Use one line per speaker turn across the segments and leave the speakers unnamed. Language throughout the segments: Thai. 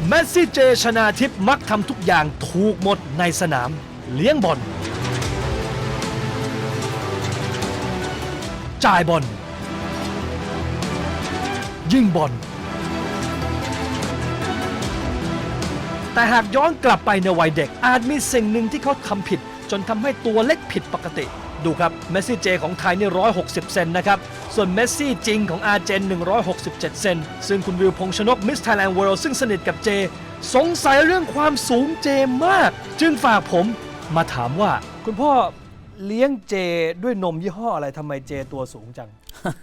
เมสซี่เจชนาทิพย์มักทำทุกอย่างถูกหมดในสนามเลี้ยงบอลจ่ายบอลยิงบอลแต่หากย้อนกลับไปในวัยเด็กอาจมีสิ่งหนึ่งที่เขาทำผิดจนทำให้ตัวเล็กผิดปกติดูครับเมสซี่เจของไทยนี่160เซนนะครับส่วนเมสซี่จริงของอาร์เจน167เซนซึ่งคุณวิวพงษ์ชนกมิสไทยแลนด์เวิลด์ซึ่งสนิทกับเจสงสัยเรื่องความสูงเจมากจึงฝากผมมาถามว่าคุณพ่อเลี้ยงเจด้วยนมยี่ห้ออะไรทำไมเจตัวสูงจัง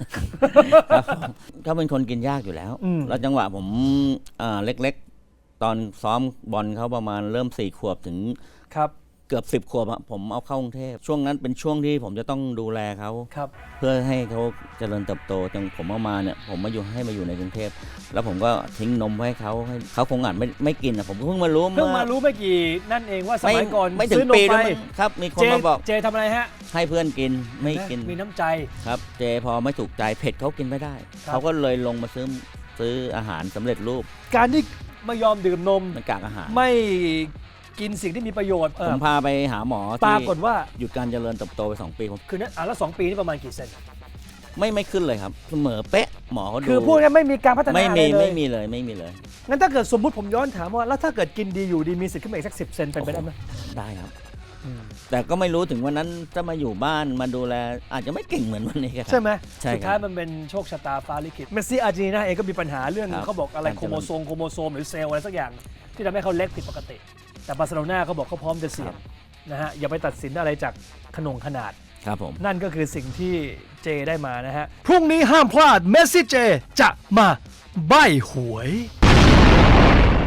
เขาเป็นคนกินยากอยู่แล้ว แล้วจังหวะผมเล็กๆ ตอนซ้อมบอลเขาประมาณเริ่ม4 ขวบถึง
ครับ
เกือบ10 ขวบอะผมเอาเข้ากรุงเทพช่วงนั้นเป็นช่วงที่ผมจะต้องดูแลเขา
ครับ
เพื่อให้เขาเจริญเติบโตจนผมเอามาเนี่ยผมมาอยู่ในกรุงเทพแล้วผมก็ทิ้งนมไว้ให้เขาคงอาจไม่กินอะผมเพิ่งมารู้
ไม่กี่นั่นเองว่าสมัยก่อน
ไม่ถึง
ซื้อนม
ปี
ไป
ด้วยมั้งครับมีคนมาบอก
เจทำอะไรฮะ
ให้เพื่อนกินไม่กิน
มีน้ำใจ
ครับเจพอไม่ถูกใจเผ็ดเขากินไม่ได้
ครับ
เขาก็เลยลงมาซื้ออาหารสำเร็จรูป
การที่ไม่ยอมดื่มนม
มันกากอาหาร
ไม่กินสิ่งที่มีประโยชน์
ผมพาไปหาหมอ
ป
ที่
รากฏว่า
หยุดการเจริญเติบโตไป2 ปีผม
คือนั้นแล้ว2 ปีนี่ประมาณกี่เซน
ไม่ขึ้นเลยครับเสมอเป๊ะหมอเขาดู
คือพูดง่ายๆไม่มีการพัฒนา
ไม่
อะไร
มี
เล
ไม่
ย
มีเลยไม่มีเลย
งั้นถ้าเกิดสมมุติผมย้อนถามว่าแล้วถ้าเกิดกินดีอยู่ดีมีสิทธิ์ขึ้นมาอีกสัก10 เซนเป็นไปได้ไหม
ได้ครับ แต่ก็ไม่รู้ถึงวันนั้นจะมาอยู่บ้านมาดูแลอาจจะไม่เก่งเหมือนวันนี้ครับ
ใช่ไหม
ใช่ครับ
สุดท้ายมันเป็นโชคชะตาฟ้าลิขิตเมสซี่อาร์เจนตินาเองก็มีปัญหาเรื่อง
ครับ
เขาบอกอะไร
การ
โค
เจริญ
โมโซมหรือเซลล์อะไรสักอย่าง ที่ทำให้เขาเล็กผิดปกติ แต่บาร์เซโลนาเขาบอกเขาพร้อมจะเสี่ยงนะฮะอย่าไปตัดสินอะไรจากขนาด
ครับผม
นั่นก็คือสิ่งที่เจได้มานะฮะ พรุ่งนี้ห้ามพลาดเมสซี่เจจะมาใบ้หวย